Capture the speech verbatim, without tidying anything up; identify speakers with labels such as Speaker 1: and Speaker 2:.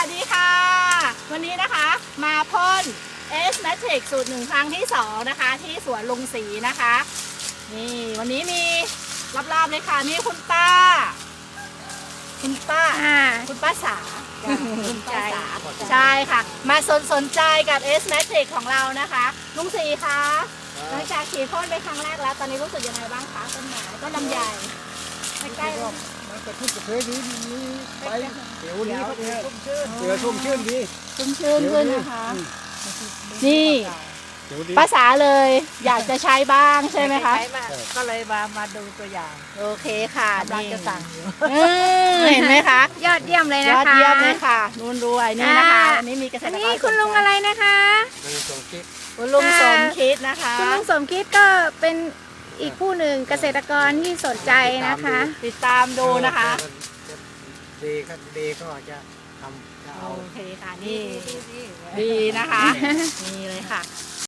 Speaker 1: วัสดีค่ะวันนี้นะคะมาพ่น S Matrix สูตรหนึ่งครั้งที่สองนะคะที่สวนลุงศรีนะคะนี่วันนี้มีรอบๆเลยค่ะนี่คุณป้าคุณป้าคุณป้าสาคุณป้าสาใช่ค่ะมาสนสนใจกับ S Matrix ของเรานะคะลุงศรีคะหลังจากฉีดพ่นไปครั้งแรกแล้วตอนนี้รู้สึกยังไงบ้างคะต้นไม้ต้นลำไยใกล้ๆ
Speaker 2: มันกระชุ่มกระชวยดีมีใบเขียวดีครับเนี่ยเสือชุ่มชื่นดี
Speaker 1: ชุ่มชื่นขึ้นนะคะ นี่
Speaker 2: เขียวดี
Speaker 1: ภาษาเลยอยากจะใช้บ้างใช่ไหมคะ
Speaker 3: ใช้มาก็เลยมามาดูตัวอย่าง
Speaker 1: โอเคค่ะ
Speaker 3: กำลัง
Speaker 1: นี่
Speaker 3: จะสั่งอยู่
Speaker 1: เออเห็นไหมคะ
Speaker 4: ยอดเยี่ยมเลย
Speaker 1: ย
Speaker 4: นะ
Speaker 1: อด
Speaker 4: คะ
Speaker 1: เยี่ยมเลยค่ะนุ่นรวยนี่นะคะ
Speaker 4: อ่า
Speaker 1: อันนี้มีเกษ
Speaker 4: อั
Speaker 1: ต
Speaker 4: น
Speaker 1: รก
Speaker 4: นี้
Speaker 1: ร
Speaker 4: คุณลุงอะไรนะคะ
Speaker 2: มันส่งคิด
Speaker 1: คุณลุงสมคิดนะคะ
Speaker 4: คุณลุงสมคิดก็เป็นอีกผู้หนึ่งเกษตรกรที่สนใจนะคะ
Speaker 1: ติดตามดูนะคะ
Speaker 2: ดีครับดีก็จะทำจะเอา
Speaker 1: โอเคค่ะนี่ดีนะคะนี่เลยค่ะ